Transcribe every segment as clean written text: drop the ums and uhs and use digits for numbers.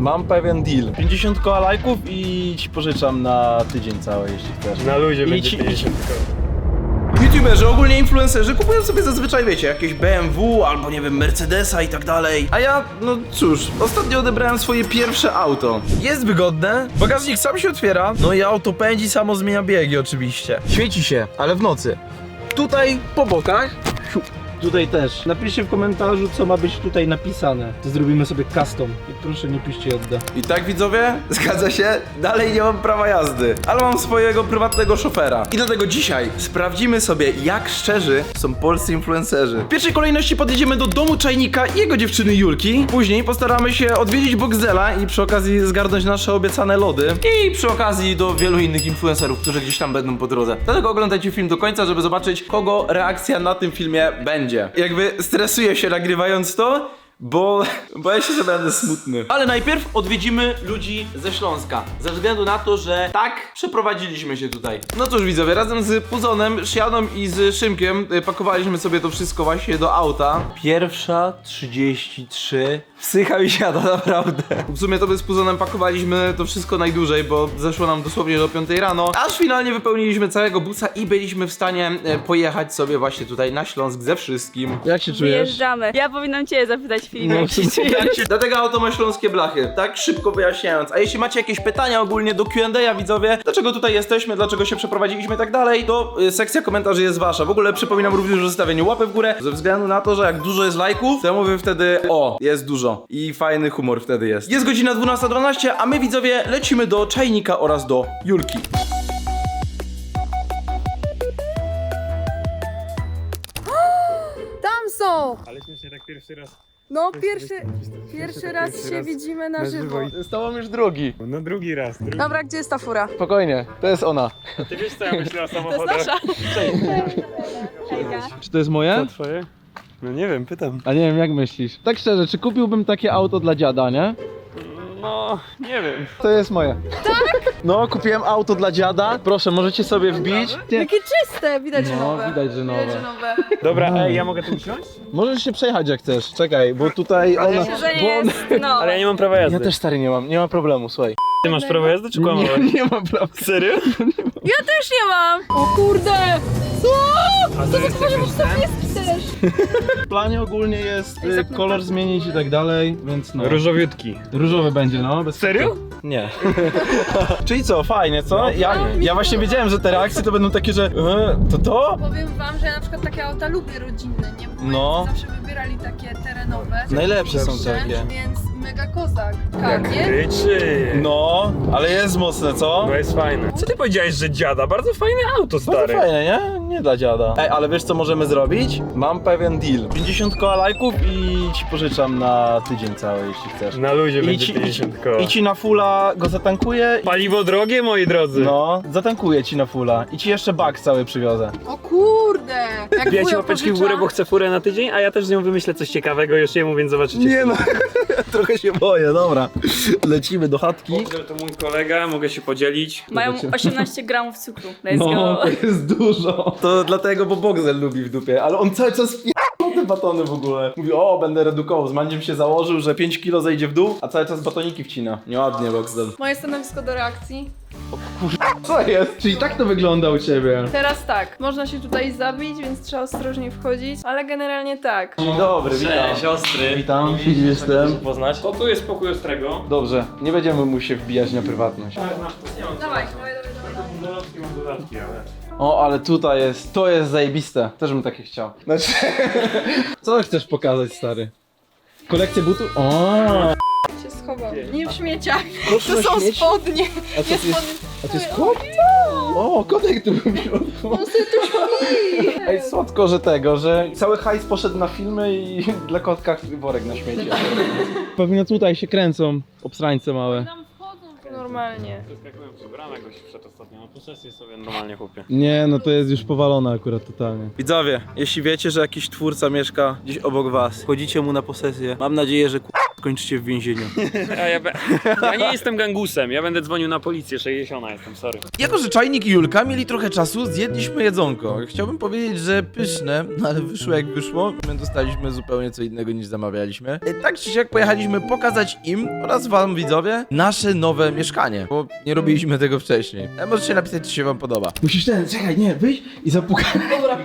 Mam pewien deal. 50 koła lajków i ci pożyczam na tydzień cały, jeśli chcesz. Na luzie będzie 50 YouTuberzy, ogólnie influencerzy kupują sobie zazwyczaj, wiecie, jakieś BMW albo nie wiem, Mercedesa i tak dalej. A ja, no cóż, ostatnio odebrałem swoje pierwsze auto. Jest wygodne, bagażnik sam się otwiera, no i auto pędzi, samo zmienia biegi oczywiście. Świeci się, ale w nocy. Tutaj po bokach. Tutaj też. Napiszcie w komentarzu, co ma być tutaj napisane. To zrobimy sobie custom. I proszę nie piszcie odda. I tak widzowie, zgadza się, dalej nie mam prawa jazdy, ale mam swojego prywatnego szofera. I dlatego dzisiaj sprawdzimy sobie, jak szczerzy są polscy influencerzy. W pierwszej kolejności podjedziemy do domu Czajnika i jego dziewczyny Julki. Później postaramy się odwiedzić Boxdela i przy okazji zgarnąć nasze obiecane lody. I przy okazji do wielu innych influencerów, którzy gdzieś tam będą po drodze. Dlatego oglądajcie film do końca, żeby zobaczyć, kogo reakcja na tym filmie będzie. Jakby stresuję się nagrywając to, bo boję się, że będę smutny. Ale najpierw odwiedzimy ludzi ze Śląska. Ze względu na to, że tak przeprowadziliśmy się tutaj. No cóż widzowie, razem z Puzonem, Sianą i z Szymkiem pakowaliśmy sobie to wszystko właśnie do auta. 1:33. Psycha mi siada, naprawdę. W sumie to my z Puzonem pakowaliśmy to wszystko najdłużej, bo zeszło nam dosłownie do 5 rano. Aż finalnie wypełniliśmy całego busa i byliśmy w stanie pojechać sobie właśnie tutaj na Śląsk ze wszystkim. Jak się czujesz? Wyjeżdżamy. Ja powinnam cię zapytać, Filip, jak się czujesz? Dlatego auto ma śląskie blachy, tak szybko wyjaśniając. A jeśli macie jakieś pytania ogólnie do Q&A, widzowie, dlaczego tutaj jesteśmy, dlaczego się przeprowadziliśmy i tak dalej, to sekcja komentarzy jest wasza. W ogóle przypominam również o zostawieniu łapy w górę, ze względu na to, że jak dużo jest lajków, to ja mówię wtedy, o, jest dużo i fajny humor wtedy jest. Jest godzina 12:12, a my widzowie lecimy do Czajnika oraz do Julki. Tam są! Ale śmiesznie tak pierwszy raz. No, pierwszy raz się widzimy na żywo. Z tobą już drugi. No drugi raz. Dobra, gdzie jest ta fura? Spokojnie, to jest ona. Ty wiesz co ja myślę o To jest samochodach? nasza. Czy to jest moje? To twoje? No nie wiem, pytam. A nie wiem, jak myślisz? Tak szczerze, czy kupiłbym takie auto dla dziada, nie? No, nie wiem. To jest moje. Tak? No, kupiłem auto dla dziada. Proszę, możecie sobie wbić. Jakie czyste! Widać, że No, nowe. widać, że nowe. Widać, że nowe. Dobra, ej, ja mogę tu usiąść? Możesz się przejechać jak chcesz. Czekaj, bo tutaj ona... Myślę, że nie jest, no. Ale ja nie mam prawa jazdy. Ja też stary nie ma problemu, słuchaj. Ty masz prawo jazdy czy kłamałeś? Nie mam prawa. Serio? Ja też nie mam! O kurde! Co? A to jest jakiś ten? Też. W planie ogólnie jest kolor zmienić i tak dalej, więc no. Różowiutki. Różowy będzie, no. Bez Serio? Nie. Czyli co, fajnie, co? Ja właśnie wiedziałem, że te reakcje to będą takie, że to? Powiem wam, że ja na przykład takie auta lubię rodzinne, nie? Bo No. zawsze wybierali takie terenowe. Najlepsze są takie. Więc mega kozak. Tak, nie? Ryczy. No, ale jest mocne, co? To jest fajne. Co ty powiedziałeś, że dziada? Bardzo fajne auto, Bardzo stary. fajne, nie? Nie dla dziada. Ej, ale wiesz co możemy zrobić? Mam pewien deal. 50 koła lajków i ci pożyczam na tydzień cały, jeśli chcesz. Na luzie I będzie ci, 50 koła. I ci na fulla go zatankuję. Paliwo drogie, moi drodzy. No, zatankuję ci na fulla. I ci jeszcze bak cały przywiozę. O kurde! Jak Wbijajcie wujo łapeczki w pożycza. górę, bo chcę furę na tydzień, a ja też z nią wymyślę coś ciekawego już jemu, więc zobaczycie. Nie no, trochę się boję, dobra. Lecimy do chatki. To mój kolega, mogę się podzielić. Mają 18 gramów cukru. Let's No, go. to jest dużo. To dlatego, bo Boxel lubi w dupie, ale on cały czas te batony w ogóle. Mówi, o, będę redukował. Z Mandziem się założył, że 5 kilo zejdzie w dół, a cały czas batoniki wcina. Nieładnie, Boxel. Moje stanowisko do reakcji. Co jest? Czyli tak to wygląda u ciebie. Teraz tak, można się tutaj zabić, więc trzeba ostrożnie wchodzić, ale generalnie tak. Dzień dobry, witam. siostry. Witam, Filip jestem. Poznać. To tu jest pokój Ostrego. Dobrze, nie będziemy mu się wbijać na prywatność. Dawaj. Dodatki mam dodatki, ale... O, ale tutaj jest, to jest zajebiste. Też bym takie chciał. Znaczy... Co chcesz pokazać, stary? Kolekcję butów? O, Się schował. Nie w śmieciach. Proszę To są śmieci? spodnie. A co Nie to jest? spodnie. A to jest kot? O, kotek tu był w środku. On sobie tu śpi. Ej, słodko, że tego, że cały hajs poszedł na filmy i dla kotka worek na śmieci. Pewnie tutaj się kręcą obsrańce małe. Tam wchodzą normalnie. Przeskakują przy bramę, goś wszedł ostatnio. No posesję sobie normalnie chłopie. Nie, no to jest już powalone akurat totalnie. Widzowie, jeśli wiecie, że jakiś twórca mieszka gdzieś obok was, chodzicie mu na posesję, mam nadzieję, że skończycie w więzieniu. Ja nie jestem gangusem, ja będę dzwonił na policję, 60 jestem, sorry. Jako, że Czajnik i Julka mieli trochę czasu, zjedliśmy jedzonko. Chciałbym powiedzieć, że pyszne, no ale wyszło jak wyszło. My dostaliśmy zupełnie co innego niż zamawialiśmy. Tak czy siak pojechaliśmy pokazać im oraz wam, widzowie, nasze nowe mieszkanie, bo nie robiliśmy tego wcześniej. Możecie napisać, czy się wam podoba. Musisz czekaj, nie, wyjść i zapukać. Dobra.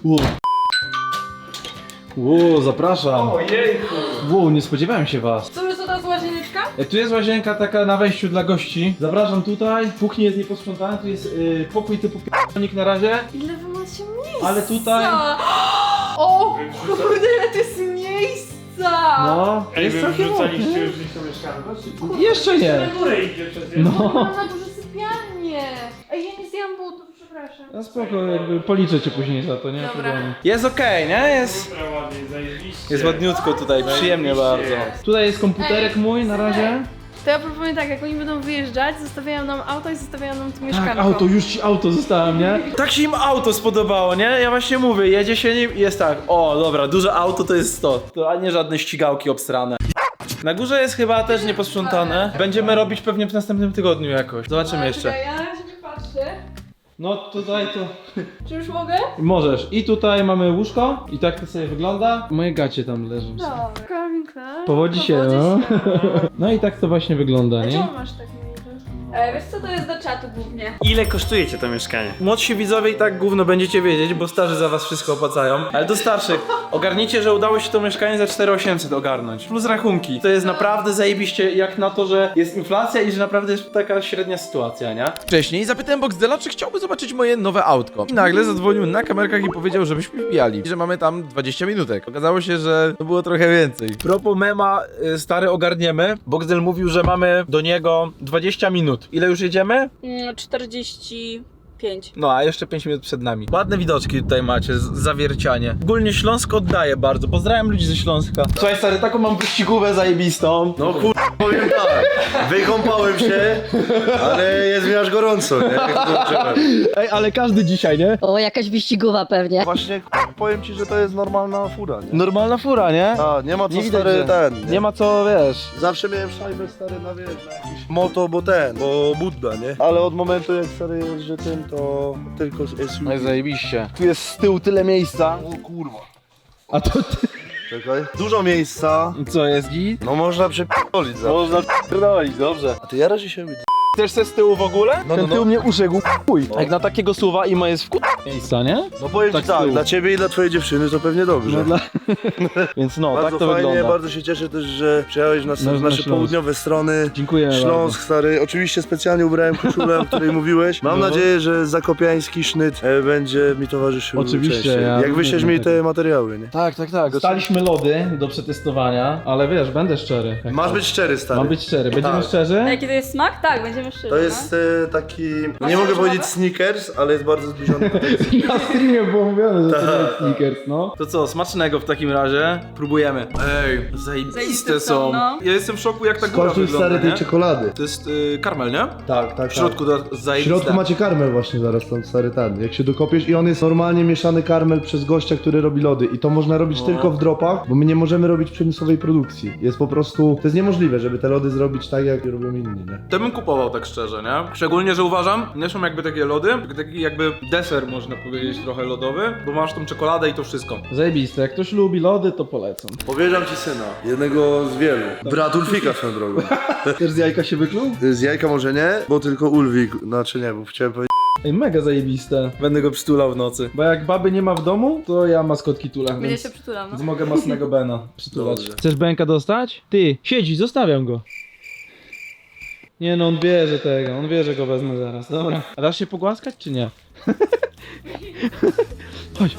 Ło, zapraszam. Ło, nie spodziewałem się was. Co, jest ta łazieneczka? Tu jest łazienka taka na wejściu dla gości. Zapraszam tutaj. Kuchnia jest nieposprzątana, tu jest pokój typu p***nik na razie. Ile wy macie miejsca? Ale tutaj... O kurde, ile to jest miejsca! No, jest całkiem ładnie. już gdzieś to mieszkamy? Jeszcze nie. Na górę idzie przez No. Mam na duże sypialnie. Ej, ja nie zjadłam butów, przepraszam. No spoko, jakby policzę cię później za to, nie? Dobra. Problemu. Jest okej, nie? Jest ładniutko tutaj, przyjemnie bardzo. Tutaj jest komputerek mój na razie. To ja proponuję tak, jak oni będą wyjeżdżać, zostawiają nam auto i zostawiają nam tu mieszkanko. Tak, auto, już ci auto zostałem, nie? Tak się im auto spodobało, nie? Ja właśnie mówię, jedzie się nim i jest tak, o dobra, duże auto to jest to, a nie żadne ścigałki obsrane. Na górze jest chyba też nieposprzątane. Będziemy robić pewnie w następnym tygodniu jakoś. Zobaczymy jeszcze. Czekaj, ja na razie nie patrzę. No tutaj to... Czy już mogę? Możesz. I tutaj mamy łóżko i tak to sobie wygląda. Moje gacie tam leżą. Dobra. Calvin Klein. Powodzi się, no. No i tak to właśnie wygląda, A nie? czemu masz tak mniej? Wiesz co, to jest do czatu głównie. Ile kosztujecie to mieszkanie? Młodsi widzowie i tak gówno będziecie wiedzieć, bo starzy za was wszystko opłacają. Ale do starszych, ogarnijcie, że udało się to mieszkanie za 4800 ogarnąć. Plus rachunki. To jest naprawdę zajebiście jak na to, że jest inflacja i że naprawdę jest taka średnia sytuacja, nie? Wcześniej zapytałem Boxdela, czy chciałby zobaczyć moje nowe autko. I nagle zadzwonił na kamerkach i powiedział, żebyśmy wbijali. I że mamy tam 20 minutek. Okazało się, że to było trochę więcej. Propos mema, stary, ogarniemy. Boxdel mówił, że mamy do niego 20 minut. Ile już jedziemy? 45. No, a jeszcze 5 minut przed nami. Ładne widoczki tutaj macie, zawiercianie. Ogólnie Śląsk oddaje bardzo. Pozdrawiam ludzi ze Śląska. Słuchaj stary, taką mam wyścigówę zajebistą. No powiem tak, wykąpałem się, ale jest mi aż gorąco, nie? Ej, ale każdy dzisiaj, nie? O, jakaś wyścigowa pewnie. Właśnie powiem ci, że to jest normalna fura, nie? Normalna fura, nie? A, nie ma co Nie widać, stary że- ten, Nie ma co, wiesz. Zawsze miałem szajbę stary na wiesz, na jakiś moto, bo Budda, nie? Ale od momentu jak stary jeżdżę tym, to tylko SUV. No i zajebiście. Tu jest z tyłu tyle miejsca. O kurwa. A to ty... Czekaj. Dużo miejsca. Co jest git? No można przepierdolić za. Można pierdolić, dobrze. A ty jarasz się widzę. Chcesz se z tyłu w ogóle? No, Ten no, tył no. mnie uszegł, chuj. Jak na takiego suwa i ma jest w miejsca, nie? No powiem Tak ci z tyłu. tak, dla ciebie i dla twojej dziewczyny to pewnie dobrze. No dla... Więc no, Bardzo tak to fajnie, wygląda. bardzo się cieszę też, że przyjechałeś na Na nasze Śląsk. południowe strony. Dziękuję Śląsk, stary. Oczywiście specjalnie ubrałem koszulę, o której mówiłeś. Mam No. nadzieję, że zakopiański sznyt będzie mi towarzyszył Oczywiście, częściej. ja Jak wyślesz lubię mi te materiały, nie? Tak. Dostaliśmy lody do przetestowania, ale wiesz, będę szczery. Masz być szczery, stary. Mam być szczery. Będziemy Tak. szczerzy? A jaki to jest smak? Tak, będziemy szczerzy. To jest taki, Masz nie mogę jakieś powiedzieć nowe? Snickers, ale jest bardzo zbliżony do tego. Na streamie było mówione, że to Tak. jest Snickers, no. To co, smacznego w takim razie. Próbujemy. Ej, zajebiste Zajebiste są. są, no. Ja jestem w szoku, jak ta góra Skończył wygląda, stary tej nie? czekolady. To jest karmel, nie? Tak, tak, W środku to W zajebiste. środku macie karmel właśnie zaraz tam stary ten. Jak się dokopiesz i on jest normalnie mieszany karmel przez gościa, który robi lody. I to można robić tylko w dropach, bo my nie możemy robić przemysłowej produkcji. Jest po prostu, to jest niemożliwe, żeby te lody zrobić tak jak robią inni, nie? To bym kupował tak szczerze, nie? Szczególnie, że uważam, nie są jakby takie lody, tylko taki jakby deser można powiedzieć trochę lodowy, bo masz tą czekoladę i to wszystko. Zajebiste, jak ktoś lubi lody, to polecam. Powierzam ci syna, jednego z wielu. Brat Ulfika swoją drogą. Też z jajka się wykluł? Z jajka może nie, bo tylko Ulwik, znaczy nie, bo chciałem powiedzieć. Ej, mega zajebiste. Będę go przytulał w nocy. Bo jak baby nie ma w domu, to ja maskotki tulę, Będzie więc... się przytulam, no. Więc mogę masnego Bena przytulać. Dobrze. Chcesz Benka dostać? Ty, siedzi, zostawiam go. Nie no, on wie, że tego, on wie, że go wezmę zaraz. Dobra. A dasz się pogłaskać, czy nie? Chodź.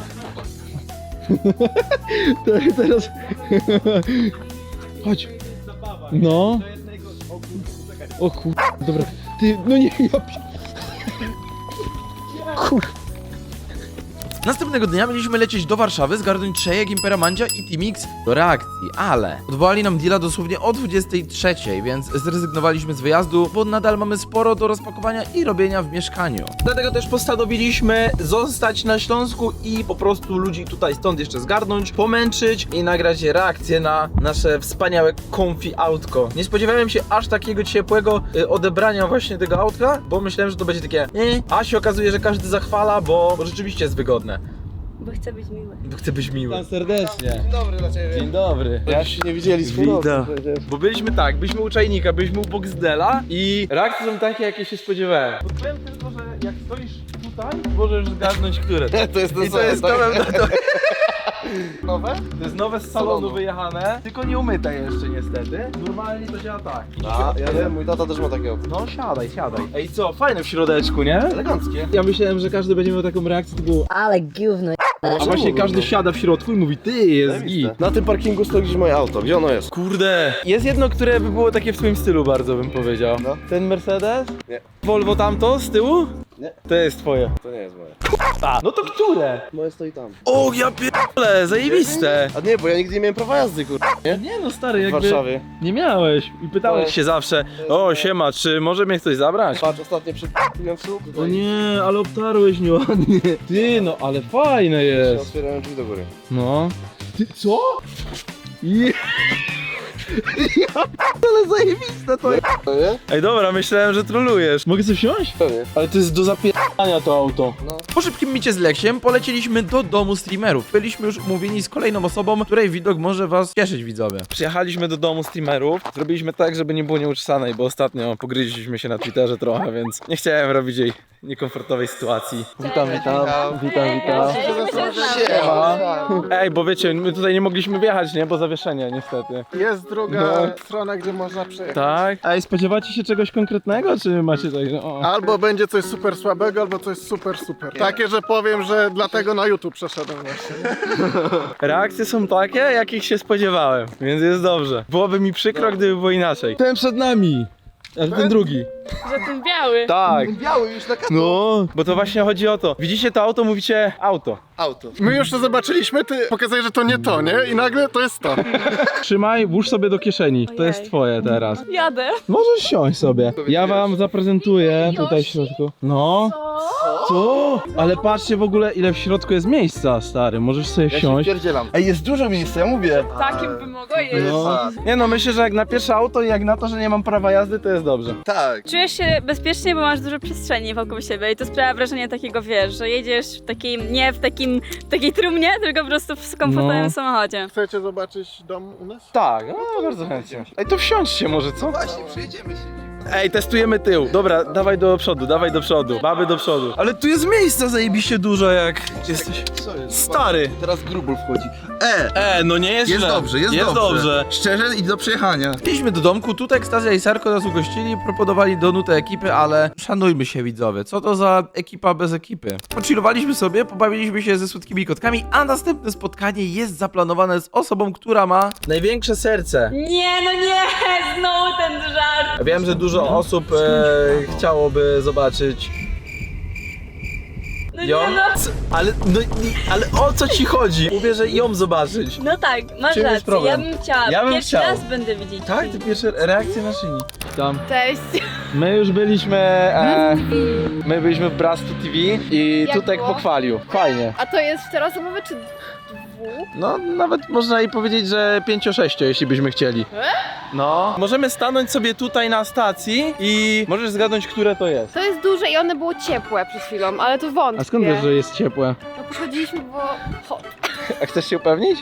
Teraz... Chodź. No. O kur... Dobra. Ty, no nie, ja... Kur... Następnego dnia mieliśmy lecieć do Warszawy, zgarnąć Trzejek, Imperamandzia i Teamix do reakcji, ale odwołali nam deala dosłownie o 23, więc zrezygnowaliśmy z wyjazdu, bo nadal mamy sporo do rozpakowania i robienia w mieszkaniu. Dlatego też postanowiliśmy zostać na Śląsku i po prostu ludzi tutaj stąd jeszcze zgarnąć, pomęczyć i nagrać reakcję na nasze wspaniałe comfy autko. Nie spodziewałem się aż takiego ciepłego odebrania właśnie tego autka, bo myślałem, że to będzie takie a się okazuje, że każdy zachwala, bo rzeczywiście jest wygodne. Bo chcę być miły. Bo chcę być miły. Witam serdecznie. Dzień dobry dla ciebie. Dzień dobry. Ja się nie widzieli z Witam. przecież. Bo byliśmy u Czajnika, byliśmy u Boxdela i reakcje są takie, jakie się spodziewałem. Powiem tylko, że jak stoisz tutaj, możesz zgadnąć, które. To jest I to jest nowe, nowe? to jest nowe z salonu wyjechane, tylko nie umyte jeszcze niestety. Normalnie to działa tak. A, ja wiem, mój tata też ma takiego. No siadaj. Ej co, fajne w środeczku, nie? Eleganckie. Ja myślałem, że każdy będzie miał taką reakcję, typu Ale gówno. a właśnie każdy siada w środku i mówi ty, jest git. Na tym parkingu stoi gdzieś moje auto. Gdzie ono jest? Kurde, jest jedno, które by było takie w twoim stylu bardzo, bym powiedział. No. Ten Mercedes? Nie. Volvo tamto z tyłu? Nie. To jest twoje. To nie jest moje. A, no to które? Moje stoi tam. O, ja pierdolę, zajebiste. A nie, bo ja nigdy nie miałem prawa jazdy, nie? Nie no stary, W jakby Warszawie. nie miałeś i pytałeś się zawsze, o siema, czy może mnie ktoś zabrać? Patrz, ostatnio przypiłem w słup. O nie, ale obtarłeś nieładnie. Ty, no ale fajne jest. Otwierałem drzwi do góry. No. Ty, co? Je... Ale zajebiste to jest. To nie? Ej dobra, myślałem, że trolujesz. Mogę sobie wsiąść? Pewnie. Ale to jest do zapierdania to auto. Po szybkim micie z Leksiem polecieliśmy do domu streamerów. Byliśmy już umówieni z kolejną osobą, której widok może was cieszyć, widzowie. Przyjechaliśmy do domu streamerów. Zrobiliśmy tak, żeby nie było nieuczesanej, bo ostatnio pogryźliśmy się na Twitterze trochę, więc nie chciałem robić jej niekomfortowej sytuacji. Witam. Ej, bo wiecie, my tutaj nie mogliśmy wjechać, nie? Bo zawieszenie niestety. Jest druga strona, gdzie można przejechać. Tak? Ej, spodziewacie się czegoś konkretnego, czy macie tak, że o... Albo będzie coś super słabego, albo coś super. Takie, że powiem, że dlatego na YouTube przeszedłem właśnie. Reakcje są takie, jakich się spodziewałem, więc jest dobrze. Byłoby mi przykro, gdyby było inaczej. Ten przed nami! Ale ten drugi. Że ten biały. Tak. Biały już na No, bo to właśnie chodzi o to. Widzicie to auto, mówicie auto. auto. My już to zobaczyliśmy, ty pokazałeś, że to nie to, nie? I nagle to jest to. Trzymaj, włóż sobie do kieszeni. To jest twoje teraz. Jadę. Możesz siąść sobie. Ja wam zaprezentuję tutaj w środku. No. Co? Ale patrzcie w ogóle, ile w środku jest miejsca, stary. Możesz sobie siąść. Pierdzielam. Ej, jest dużo miejsca, ja mówię. Takim by mogło jeść. No. Nie no, myślę, że jak na pierwsze auto i jak na to, że nie mam prawa jazdy, to jest dobrze. Tak. Czujesz się bezpiecznie, bo masz dużo przestrzeni wokół siebie i to sprawia wrażenie takiego, wiesz, że jedziesz w takim, nie w takiej trumnie, tylko po prostu w komfortowym No. samochodzie. Chcecie zobaczyć dom u nas? Tak, no bardzo chętnie. Ej, to wsiądźcie może, co? Właśnie, przyjedziemy się. Ej, testujemy tył. Dobra, dawaj do przodu, dawaj do przodu. Baby do przodu. Ale tu jest miejsca zajebiście dużo, jak jesteś Co jest? stary. Teraz grubul wchodzi. No nie jest Jest źle. dobrze, jest dobrze. Szczerze i do przejechania. Wbiliśmy do domku, tutaj Ekstazja i Sarko nas ugościli, proponowali donutę ekipy, ale szanujmy się, widzowie, co to za ekipa bez ekipy? Pochillowaliśmy sobie, pobawiliśmy się ze słodkimi kotkami, a następne spotkanie jest zaplanowane z osobą, która ma największe serce. Nie, no nie, znowu ten żart. Wiem, że dużo osób chciałoby zobaczyć No ją, nie, no. ale o co ci chodzi? Mówię, że ją zobaczyć. No tak, masz Czym jest rację, problem? ja bym chciała. Ja bym Pierwszy chciał. raz będę widzieć. Tak? To pierwsze reakcje na szyni. Tam. Cześć. My już byliśmy, my byliśmy w Brastu TV i Jak Tutek było? pochwalił. Fajnie. A to jest czterosobowy czy dwu? No, nawet można i powiedzieć, że 5-6, jeśli byśmy chcieli. No. Możemy stanąć sobie tutaj na stacji i możesz zgadnąć, które to jest. To jest duże i one było ciepłe przed chwilą, ale to wątpię. A skąd wiesz, że jest ciepłe? No podchodziliśmy, bo... Hot. A chcesz się upewnić?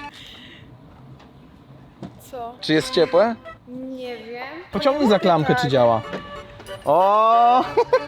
Co? Czy jest ciepłe? Nie wiem. Pociągnij za klamkę, czy działa. O!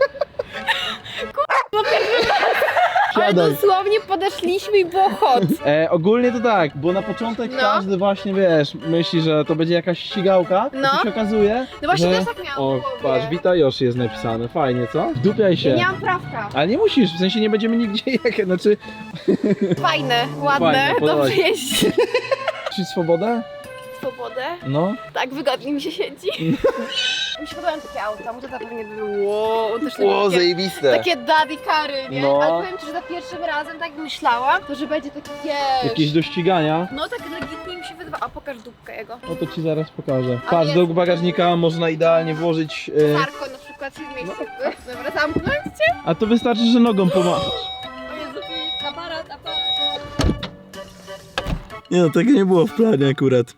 Ale Siadaj. dosłownie podeszliśmy i było hot. Ogólnie to tak, bo na początek No. każdy właśnie, wiesz, myśli, że to będzie jakaś ścigałka, No. a tu się okazuje, No właśnie że... też tak miałam O, w głowie. patrz, Wita Yoshi jest napisane, fajnie, co? Wdupiaj się. Ja nie mam prawka. Ale nie musisz, w sensie nie będziemy nigdzie jechać, znaczy... Fajne, ładne, Fajne, podoba dobrze się. jeździ. Czuć swobodę? Swobodę. No. Tak, wygodnie mi się siedzi. Mi się podobają takie auta, mu to pewnie by było. Też O, zajebiste. takie daddy kary, nie? No. Ale powiem ci, że za pierwszym razem tak myślałam, to że będzie takie Jakieś do ścigania? No tak legitnie mi się wydawa. A pokaż dupkę jego. No to ci zaraz pokażę. A Patrz, jest- do bagażnika można idealnie włożyć... Sarko na przykład się zmieści. Dobra, zamknąć cię? A to wystarczy, że nogą pomachasz. O Jezu, aparat. Nie no, tego nie było w planie akurat.